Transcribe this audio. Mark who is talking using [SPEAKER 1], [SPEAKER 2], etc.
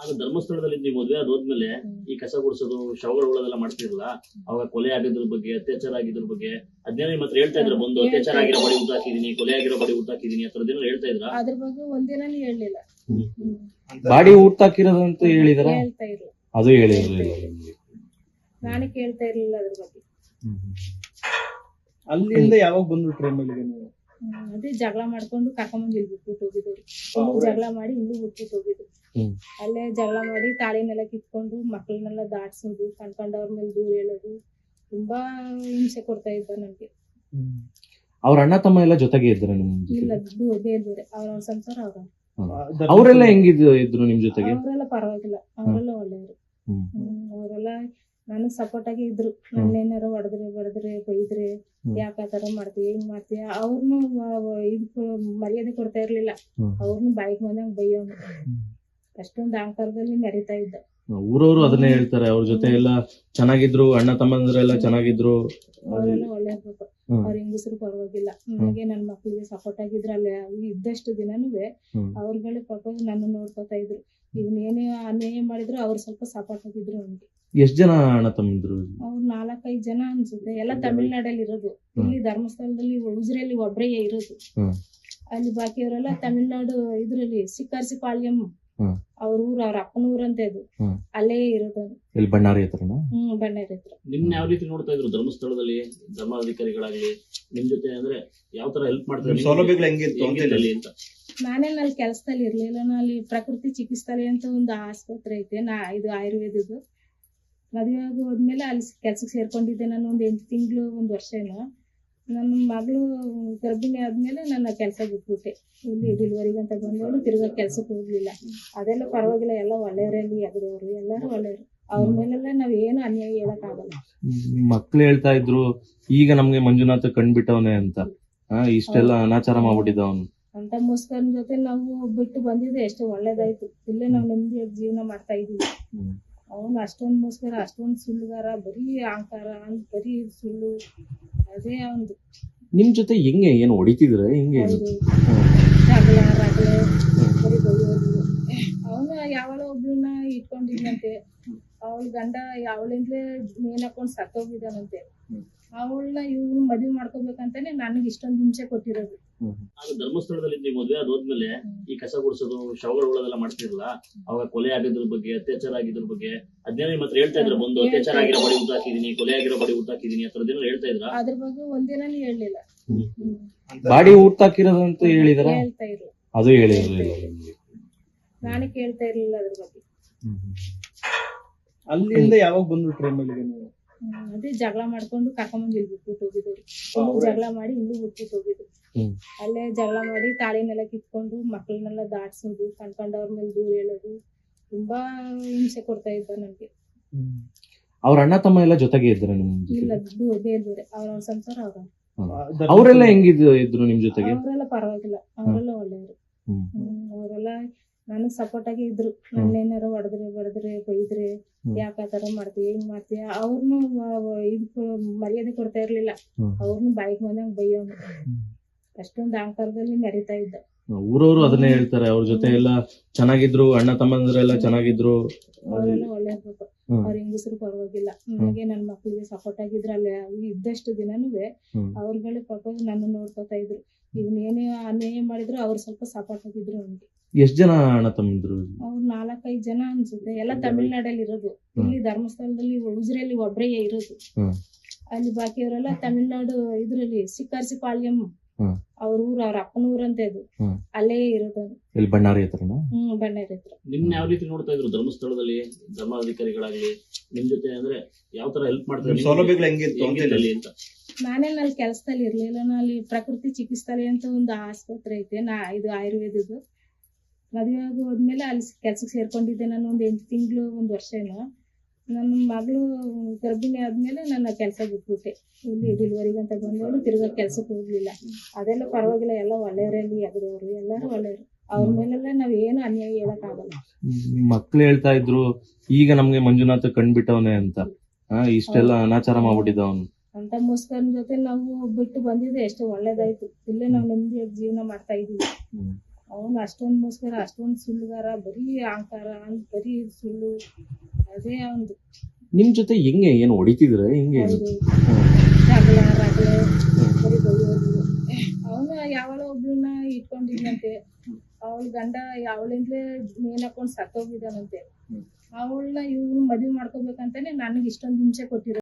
[SPEAKER 1] ಆಗ ಧರ್ಮಸ್ಥಳದಲ್ಲಿ ನೀವು ಮದುವೆ ಆದ್ಮೇಲೆ ಈ ಕಸ ಗುಡಿಸೋದು ಶವಗಳು ಉಳೋದೆಲ್ಲ ಮಾಡ್ತಿರಲ್ಲ, ಅವಾಗ ಕೊಲೆ ಆಗಿದ್ರ ಬಗ್ಗೆ, ಅತ್ಯಾಚಾರ ಆಗಿದ್ರ ಬಗ್ಗೆ ಅದ್ನೇನೋ ನಿಮ್ಮ ಹತ್ರ ಹೇಳ್ತಾ ಇದ್ರ? ಬಂದು ಅತ್ಯಾಚಾರ ಆಗಿರೋ ಬಡಿ ಊಟಾಕಿದೀನಿ, ಕೊಲೆ ಆಗಿರೋ ಬಡಿ ಊಟಾಕಿದೀನಿ ಆ ಥರದ್ದೇನೋ ಹೇಳ್ತಾ ಇದ್ರ?
[SPEAKER 2] ಅದ್ರ ಬಗ್ಗೆ ಒಂದಿನಾನು ಹೇಳಿಲ್ಲ.
[SPEAKER 3] ಬಾಡಿ ಊಟಾಕಿರೋದಂತ ಹೇಳಿದಾರ?
[SPEAKER 2] ಹೇಳ್ತಾ ಇರ್ಲಿಲ್ಲ,
[SPEAKER 3] ಅದು ಹೇಳಿರಲಿಲ್ಲ.
[SPEAKER 2] ನಾನು ಕೇಳ್ತಾ ಇರ್ಲಿಲ್ಲ ಅದ್ರ ಬಗ್ಗೆ.
[SPEAKER 4] ಅಲ್ಲಿಂದ ಯಾವಾಗ ಬಂದ್ರು ಟ್ರೈನಲ್ಲಿ ನೀವು?
[SPEAKER 2] ಅದೇ ಜಗಳ ಮಾಡ್ಕೊಂಡು ಕರ್ಕೊಂಬಂದು ಇಲ್ಲಿ ಬಿಟ್ಬಿಟ್ಟು ಹೋಗಿದ್ರು. ಇಲ್ಲೂ ಜಗಳ ಮಾಡಿ ಇಲ್ಲೂ ಬಿಟ್ಬಿಟ್ಟು ಹೋಗಿದ್ರು. ಅಲ್ಲೇ ಜಗಳ ಮಾಡಿ ತಾಳಿನೆಲ್ಲ ಕಿತ್ಕೊಂಡು ಮಕ್ಕಳನ್ನೆಲ್ಲ ದಾಟ್ಸೋದು, ಕಣ್ಕಂಡವ್ರ ಮೇಲೆ ದೂರ ಹೇಳೋದು, ತುಂಬಾ ಹಿಂಸೆ ಕೊಡ್ತಾ ಇದ್ದ ನನ್ಗೆ.
[SPEAKER 3] ಅವ್ರ ಅಣ್ಣ ತಮ್ಮ ಎಲ್ಲ ಜೊತೆಗೆ ಇದ್ರ ನಿಮ್?
[SPEAKER 2] ಇಲ್ಲ, ಬೇರೆ ಬೇರೆ ಅವ್ರ ಸಂಸಾರ ಅವ್ರ.
[SPEAKER 3] ಅವರೆಲ್ಲ ಹೆಂಗಿದ್ರು ನಿಮ್ ಜೊತೆಗೆ?
[SPEAKER 2] ಅವರೆಲ್ಲ ಪರವಾಗಿಲ್ಲ, ಅವರೆಲ್ಲ ಒಳ್ಳೆಯವರು. ಅವರೆಲ್ಲ ನನಗ್ ಸಪೋರ್ಟ್ ಆಗಿ ಇದ್ರು. ನನ್ನೇನಾರ ಹೊಡೆದ್ರೆ ಬೈದ್ರೆ ಯಾಕೆ ಆ ತರ ಮಾಡ್ತೀಯ, ಹಿಂಗ್ ಮಾಡ್ತೀಯ, ಅವ್ರನ್ನು ಇದು ಮರ್ಯಾದೆ ಕೊಡ್ತಾ ಇರ್ಲಿಲ್ಲ. ಅವ್ರನ್ನು ಬಾಯಿಗೆ ಬಂದಂಗ್ ಬೈಯೋನು, ಅಷ್ಟೊಂದು ಅಹಂಕಾರದಲ್ಲಿ ಮೆರಿತಾ ಇದ್ದ.
[SPEAKER 3] ಊರವರು ಅದನ್ನೇ ಹೇಳ್ತಾರೆ, ಅವ್ರ ಜೊತೆ ಎಲ್ಲ ಚೆನ್ನಾಗಿದ್ರು, ಅಣ್ಣ ತಮ್ಮಂದ್ರೆಲ್ಲ ಚೆನ್ನಾಗಿದ್ರು,
[SPEAKER 2] ಅವರೆಲ್ಲ ಒಳ್ಳೆ ಇರ್ಬೇಕು. ಅವ್ರ ಹೆಂಗಸರು ಪರವಾಗಿಲ್ಲ, ನನಗೆ ನನ್ ಮಕ್ಳಿಗೆ ಸಪೋರ್ಟ್ ಆಗಿದ್ರು. ಅಲ್ಲಿ ಇದ್ದಷ್ಟು ದಿನನೂ ಅವ್ರಗಳೇ ಪಾಪ ನನ್ನ ನೋಡ್ಕೊತಾ ಇದ್ರು. ಇವ್ನ ಏನೇ ಅನ್ಯಾಯ ಮಾಡಿದ್ರು ಅವ್ರು ಸ್ವಲ್ಪ ಸಪೋರ್ಟ್ ಆಗಿದ್ರು ನನ್ಗೆ.
[SPEAKER 3] ಎಷ್ಟ್ ಜನ ಅಣ್ಣ ತಮ್ಮಂದ್ರು?
[SPEAKER 2] ಅವ್ರು 4-5 ಜನ ಅನ್ಸುತ್ತೆ. ಎಲ್ಲ ತಮಿಳ್ನಾಡಲ್ಲಿ ಇರೋದು. ಇಲ್ಲಿ ಧರ್ಮಸ್ಥಳದಲ್ಲಿ ಉಜಿರೆಯಲ್ಲಿ ಒಬ್ರೇ ಇರೋದು. ಅಲ್ಲಿ ಬಾಕಿಯವರೆಲ್ಲ ತಮಿಳ್ನಾಡು ಇದ್ರಲ್ಲಿ ಸಿಕ್ಕಾರ್ಸಿಪಾಳ್ಯಂ ಅವ್ರ ಊರು, ಅವ್ರ ಅಪ್ಪನ ಊರಂತ ಇದು, ಅಲ್ಲೇ ಇರೋದು.
[SPEAKER 3] ಇಲ್ಲಿ ಬಣ್ಣಾರಿ ಹತ್ರನಾ?
[SPEAKER 2] ಬಣ್ಣಾರಿ ಹತ್ರ.
[SPEAKER 1] ನಿಮ್ನ ಯಾವ ರೀತಿ ನೋಡ್ತಾ ಇದ್ರು ಧರ್ಮಸ್ಥಳದಲ್ಲಿ ಧರ್ಮಾಧಿಕಾರಿಗಳಾಗ್ಲಿ? ನಿಮ್ ಜೊತೆ ಅಂದ್ರೆ ಯಾವ ತರ ಹೆಲ್ಪ್ ಮಾಡ್ತಾರೆ?
[SPEAKER 4] ಸೌಲಭ್ಯಗಳು ಹೆಂಗಿತ್ತು
[SPEAKER 1] ಅಂತ?
[SPEAKER 2] ನಾನೇನ್ ಅಲ್ಲಿ ಕೆಲ್ಸದಲ್ಲಿ ಇರ್ಲಿಲ್ಲ. ಅಲ್ಲಿ ಪ್ರಕೃತಿ ಚಿಕಿತ್ಸಾಲಯ ಅಂತ ಒಂದು ಆಸ್ಪತ್ರೆ ಐತೆ, ಇದು ಆಯುರ್ವೇದದ್ದು. ಮದುವೆ ಆಗಿ ಹೋದ್ಮೇಲೆ ಅಲ್ಲಿ ಕೆಲ್ಸಕ್ಕೆ ಸೇರ್ಕೊಂಡಿದ್ದೆ ನಾನು. ಒಂದು 8 ತಿಂಗಳು 1 ವರ್ಷ ಏನೋ. ನನ್ನ ಮಗಳು ಗರ್ಭಿಣಿ ಆದ್ಮೇಲೆ ನನ್ನ ಕೆಲಸ ಬಿಟ್ಬಿಟ್ಟೆ. ಇಲ್ಲಿ ಡೆಲಿವರಿಗೆ ಅಂತ ಬಂದವಳು ತಿರ್ಗಾ ಕೆಲ್ಸಕ್ಕೆ ಹೋಗ್ಲಿಲ್ಲ. ಅದೆಲ್ಲ ಪರವಾಗಿಲ್ಲ, ಎಲ್ಲ ಒಳ್ಳೆಯವರಲ್ಲಿ ಎಗದವರು, ಎಲ್ಲರೂ ಒಳ್ಳೆಯವರು. ಅವ್ರ ಮೇಲೆಲ್ಲ ನಾವ್ ಏನು ಅನ್ಯಾಯ ಹೇಳಕ್ ಆಗಲ್ಲ.
[SPEAKER 3] ಮಕ್ಳು ಹೇಳ್ತಾ ಇದ್ರು ಈಗ ನಮ್ಗೆ ಮಂಜುನಾಥ ಕಂಡ್ಬಿಟ್ಟವನೆ ಅಂತ, ಇಷ್ಟೆಲ್ಲ ಅನಾಚಾರ ಮಾಡ್ಬಿಟ್ಟಿದ್ದ ಅವನು
[SPEAKER 2] ಅಂತ. ಮುಸ್ಕರನ್ ಜೊತೆ ನಾವು ಬಿಟ್ಟು ಬಂದಿದ್ದೆ ಎಷ್ಟೋ ಒಳ್ಳೇದಾಯ್ತು. ಇಲ್ಲೇ ನಾವು ನೆಮ್ಮದಿಯಾಗಿ ಜೀವನ ಮಾಡ್ತಾ ಇದೀವಿ. ಅವನು ಅಷ್ಟೊಂದು ಮುಸ್ಕರ, ಅಷ್ಟೊಂದು ಸುಳ್ಳುಗಾರ, ಬರೀ ಅಹಂಕಾರ, ಬರೀ ಸುಳ್ಳು, ಅದೇ ಅವನು.
[SPEAKER 3] ನಿಮ್ ಜೊತೆ ಹೆಂಗೆ ಏನು ಹೊಡಿತಿದ್ರ? ಹೆಂಗೆ
[SPEAKER 2] ಜಗಳ ರಗಳೆ ಬರೀ ಬೈಯೋದು. ಅವನು ಯಾವಳ ಒಬ್ಳನ್ನ ಇಟ್ಕೊಂಡಿದ್ನಂತೆ. ಅವಳ ಗಂಡ ಅವಳಿಂದಲೇ ನೇಣ್ ಹಾಕೊಂಡ್ ಸತ್ತೋಗಿದ್ದಾನಂತೆ. ಅವಳನ್ನ ಇವ್ನು ಮದ್ವೆ ಮಾಡ್ಕೋಬೇಕಂತಾನೆ ನನಗೆ ಇಷ್ಟೊಂದು ಹಿಂಸೆ ಕೊಟ್ಟಿರೋದು.
[SPEAKER 1] ಆಗ ಧರ್ಮಸ್ಥಳದಲ್ಲಿ ನೀವು ಮದುವೆ ಆದ್ಮೇಲೆ ಈ ಕಸ ಗುಡಿಸೋದು ಶವಗಳು ಉಳೋದೆಲ್ಲ ಮಾಡ್ತಿರಲ್ಲ, ಅವಾಗ ಕೊಲೆ ಆಗಿದ್ರ ಬಗ್ಗೆ, ಅತ್ಯಾಚಾರ ಆಗಿದ್ರ ಬಗ್ಗೆ ಅದ್ನೇನೋ ನಿಮ್ಮ ಹತ್ರ ಹೇಳ್ತಾ ಇದ್ರ? ಬಂದು ಅತ್ಯಾಚಾರ ಆಗಿರೋ ಬಡಿ ಊಟಾಕಿದೀನಿ, ಕೊಲೆ ಆಗಿರೋ ಬಡಿ ಊಟಾಕಿದೀನಿ ಆ ಥರದ್ದೇನೋ ಹೇಳ್ತಾ ಇದ್ರ?
[SPEAKER 2] ಅದ್ರ ಬಗ್ಗೆ ಒಂದಿನಾನು ಹೇಳಿಲ್ಲ.
[SPEAKER 3] ಬಾಡಿ ಊಟಾಕಿರೋದಂತ ಹೇಳಿದಾರ?
[SPEAKER 2] ಹೇಳ್ತಾ ಇರ್ಲಿಲ್ಲ,
[SPEAKER 3] ಅದು ಹೇಳಿರಲಿಲ್ಲ.
[SPEAKER 2] ನಾನು ಕೇಳ್ತಾ ಇರ್ಲಿಲ್ಲ ಅದ್ರ ಬಗ್ಗೆ.
[SPEAKER 4] ಅಲ್ಲಿಂದ ಯಾವಾಗ ಬಂದ್ರು ಟ್ರೈನಲ್ಲಿ ನೀವು?
[SPEAKER 2] ಅದೇ ಜಗಳ ಮಾಡ್ಕೊಂಡು ಕರ್ಕೊಂಬಂದು ಇಲ್ಲಿ ಬಿಟ್ಬಿಟ್ಟು ಹೋಗಿದ್ರು. ಇಲ್ಲೂ ಜಗಳ ಮಾಡಿ ಇಲ್ಲೂ ಬಿಟ್ಬಿಟ್ಟು ಹೋಗಿದ್ರು. ಅಲ್ಲೇ ಜಗಳ ಮಾಡಿ ತಾಳಿನೆಲ್ಲ ಕಿತ್ಕೊಂಡು ಮಕ್ಕಳನ್ನೆಲ್ಲ ದಾಟ್ಸೋದು, ಕಣ್ಕಂಡವ್ರ ಮೇಲೆ ದೂರ ಹೇಳೋದು, ತುಂಬಾ ಹಿಂಸೆ ಕೊಡ್ತಾ ಇದ್ದ ನನ್ಗೆ.
[SPEAKER 3] ಅವ್ರ ಅಣ್ಣ ತಮ್ಮ ಎಲ್ಲ ಜೊತೆಗೆ ಇದ್ರ ನಿಮ್?
[SPEAKER 2] ಇಲ್ಲ, ಬೇರೆ ಬೇರೆ ಅವ್ರ ಸಂಸಾರ ಅವ್ರ.
[SPEAKER 3] ಅವರೆಲ್ಲ ಹೆಂಗಿದ್ರು ನಿಮ್ ಜೊತೆಗೆ?
[SPEAKER 2] ಅವರೆಲ್ಲ ಪರವಾಗಿಲ್ಲ, ಅವರೆಲ್ಲ ಒಳ್ಳೆಯವರು. ಅವರೆಲ್ಲ ನನಗ್ ಸಪೋರ್ಟ್ ಆಗಿ ಇದ್ರು. ನನ್ನೇನಾರ ಹೊಡೆದ್ರೆ ಬೈದ್ರೆ ಯಾಕೆ ಆ ತರ ಮಾಡ್ತೀಯ, ಹಿಂಗ್ ಮಾಡ್ತೀಯ, ಅವ್ರನ್ನು ಇದು ಮರ್ಯಾದೆ ಕೊಡ್ತಾ ಇರ್ಲಿಲ್ಲ. ಅವ್ರನ್ನು ಬಾಯಿಗೆ ಬಂದಂಗ್ ಬೈಯೋನು, ಅಷ್ಟೊಂದು ಅಹಂಕಾರದಲ್ಲಿ ಮೆರಿತಾ ಇದ್ದ.
[SPEAKER 3] ಊರವರು ಅದನ್ನೇ ಹೇಳ್ತಾರೆ, ಅವ್ರ ಜೊತೆ ಎಲ್ಲ ಚೆನ್ನಾಗಿದ್ರು, ಅಣ್ಣ ತಮ್ಮಂದ್ರೆಲ್ಲ ಚೆನ್ನಾಗಿದ್ರು,
[SPEAKER 2] ಅವರೆಲ್ಲ ಒಳ್ಳೆ ಇರ್ಬೇಕು. ಅವ್ರ ಹೆಂಗಸರು ಪರವಾಗಿಲ್ಲ, ನನಗೆ ನನ್ ಮಕ್ಳಿಗೆ ಸಪೋರ್ಟ್ ಆಗಿದ್ರು. ಅಲ್ಲಿ ಇದ್ದಷ್ಟು ದಿನನೂ ಅವ್ರಗಳೇ ಪಾಪ ನನ್ನ ನೋಡ್ಕೊತಾ ಇದ್ರು. ಇವ್ನ ಏನೇ ಅನ್ಯಾಯ ಮಾಡಿದ್ರು ಅವ್ರು ಸ್ವಲ್ಪ ಸಪೋರ್ಟ್ ಆಗಿದ್ರು ನನ್ಗೆ.
[SPEAKER 3] ಎಷ್ಟ್ ಜನ ಅಣ್ಣ ತಮ್ಮಂದ್ರು?
[SPEAKER 2] ಅವ್ರು 4-5 ಜನ ಅನ್ಸುತ್ತೆ. ಎಲ್ಲ ತಮಿಳ್ನಾಡಲ್ಲಿ ಇರೋದು. ಇಲ್ಲಿ ಧರ್ಮಸ್ಥಳದಲ್ಲಿ ಉಜಿರೆಯಲ್ಲಿ ಒಬ್ರೇ ಇರೋದು. ಅಲ್ಲಿ ಬಾಕಿಯವರೆಲ್ಲ ತಮಿಳ್ನಾಡು ಇದ್ರಲ್ಲಿ ಸಿಕ್ಕಾರ್ಸಿಪಾಳ್ಯಂ ಅವ್ರ ಊರು, ಅವ್ರ ಅಪ್ಪನ ಊರಂತ ಇದು, ಅಲ್ಲೇ ಇರೋದು.
[SPEAKER 3] ಇಲ್ಲಿ ಬಣ್ಣಾರಿ ಹತ್ರನಾ?
[SPEAKER 2] ಬಣ್ಣಾರಿ ಹತ್ರ.
[SPEAKER 1] ನಿಮ್ನ ಯಾವ ರೀತಿ ನೋಡ್ತಾ ಇದ್ರು ಧರ್ಮಸ್ಥಳದಲ್ಲಿ ಧರ್ಮಾಧಿಕಾರಿಗಳಾಗ್ಲಿ? ನಿಮ್ ಜೊತೆ ಅಂದ್ರೆ ಯಾವ ತರ ಹೆಲ್ಪ್ ಮಾಡ್ತಾರೆ?
[SPEAKER 4] ಸೌಲಭ್ಯಗಳು ಹೆಂಗಿತ್ತು
[SPEAKER 1] ಅಂತ?
[SPEAKER 2] ನಾನೇನ್ ಅಲ್ಲಿ ಕೆಲ್ಸದಲ್ಲಿ ಇರ್ಲಿಲ್ಲ. ಅಲ್ಲಿ ಪ್ರಕೃತಿ ಚಿಕಿತ್ಸಾಲಯ ಅಂತ ಒಂದು ಆಸ್ಪತ್ರೆ ಐತೆ, ಇದು ಆಯುರ್ವೇದದ್ದು. ಮದುವೆ ಆಗಿ ಹೋದ್ಮೇಲೆ ಅಲ್ಲಿ ಕೆಲ್ಸಕ್ಕೆ ಸೇರ್ಕೊಂಡಿದ್ದೆ ನಾನು. ಒಂದು 8 ತಿಂಗಳು 1 ವರ್ಷ ಏನೋ. ನನ್ನ ಮಗಳು ಗರ್ಭಿಣಿ ಆದ್ಮೇಲೆ ನನ್ನ ಕೆಲಸ ಬಿಟ್ಬಿಟ್ಟೆ. ಇಲ್ಲಿ ಡೆಲಿವರಿಗೆ ಅಂತ ಬಂದವಳು ತಿರ್ಗಾ ಕೆಲ್ಸಕ್ಕೆ ಹೋಗ್ಲಿಲ್ಲ. ಅದೆಲ್ಲ ಪರವಾಗಿಲ್ಲ, ಎಲ್ಲ ಒಳ್ಳೆಯವರಲ್ಲಿ ಎಗದವರು, ಎಲ್ಲರೂ ಒಳ್ಳೆಯವರು. ಅವ್ರ ಮೇಲೆಲ್ಲ ನಾವ್ ಏನು ಅನ್ಯಾಯ ಹೇಳಕ್ ಆಗಲ್ಲ.
[SPEAKER 3] ಮಕ್ಳು ಹೇಳ್ತಾ ಇದ್ರು ಈಗ ನಮ್ಗೆ ಮಂಜುನಾಥ ಕಂಡ್ಬಿಟ್ಟವನೆ ಅಂತ, ಇಷ್ಟೆಲ್ಲ ಅನಾಚಾರ ಮಾಡ್ಬಿಟ್ಟಿದ್ದ ಅವನು
[SPEAKER 2] ಅಂತ. ಮುಸ್ಕರನ್ ಜೊತೆ ನಾವು ಬಿಟ್ಟು ಬಂದಿದ್ದೆ ಎಷ್ಟೋ ಒಳ್ಳೇದಾಯ್ತು. ಇಲ್ಲೇ ನಾವು ನೆಮ್ಮದಿಯಾಗಿ ಜೀವನ ಮಾಡ್ತಾ ಇದೀವಿ. ಅವನು ಅಷ್ಟೊಂದು ಮೋಸ್ಕರ, ಅಷ್ಟೊಂದು ಸುಳ್ಳುಗಾರ, ಬರೀ ಅಹಂಕಾರ, ಬರೀ ಸುಳ್ಳು, ಅದೇ ಅವನು.
[SPEAKER 3] ನಿಮ್ ಜೊತೆ ಹೆಂಗೆ ಏನು ಹೊಡಿತಿದ್ರ ಹೆಂಗೆ?
[SPEAKER 2] ರಗಳೆ ಬರೀ ಬೈಯೋದು. ಅವನು ಯಾವಾಗ ಒಬ್ಳನ್ನ ಇಟ್ಕೊಂಡಿದ್ನಂತೆ, ಅವಳ ಗಂಡ ಅವಳಿಂದಲೇ ನೇಣ್ ಹಾಕೊಂಡು ಸತ್ತೋಗಿದ್ದಾನಂತೆ. ಅವಳನ್ನ ಇವ್ರು ಮದ್ವೆ ಮಾಡ್ಕೋಬೇಕಂತಾನೆ ನನಗೆ ಇಷ್ಟೊಂದು ಹಿಂಸೆ ಕೊಟ್ಟಿರೋ.